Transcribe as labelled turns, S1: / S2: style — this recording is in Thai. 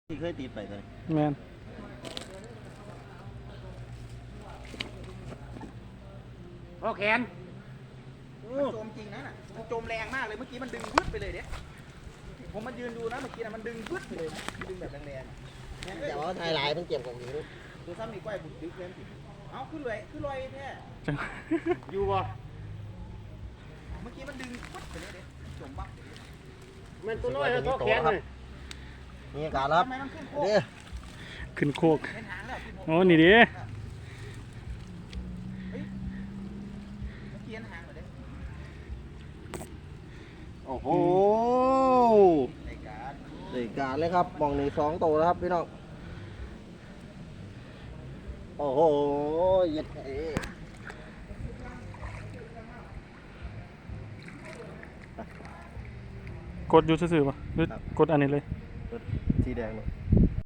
S1: ที่เคยติดไปเลย
S2: แมน
S3: โอแขนมันโจมจริงนะน่ะมันโจมแรงมากเลยเมื่อกี้มันดึงวึดไปเลยเนี่ยผมมายืนดูนะเมื่อกี้นะมันดึงวึดไปเลยดึงแบบแรงๆ
S1: แต่ว่าไทยหลายมันเก็บของอยู่
S3: ดูซ้ำมีก้อยบุกดึกเลยเอาขึ้นเลยแท้
S2: จัง
S1: อยู่บ่
S3: เมื่อกี้มันดึงวึดไปเลยเนี่ยโจมบัก
S1: มันตัวน้อยเขาแขนเลยนี่การรับ
S3: ทำไมมันขึ้นโค
S1: เด้อ
S2: ขึ้นโคก
S3: เป็นหางแล้ว
S2: โอ้นี่ดิ
S3: เมื่อกี้หางเหรอเด้
S1: โอ้โห
S3: ในการ
S1: ได้การเลยครับมองนี่2ตัวแล้วครับพี่น้องโอ้โหยัดเอ๋
S2: กดอยู่ซื่อๆป่ะหรือกดอันนี้เลย
S1: สีแดงเลย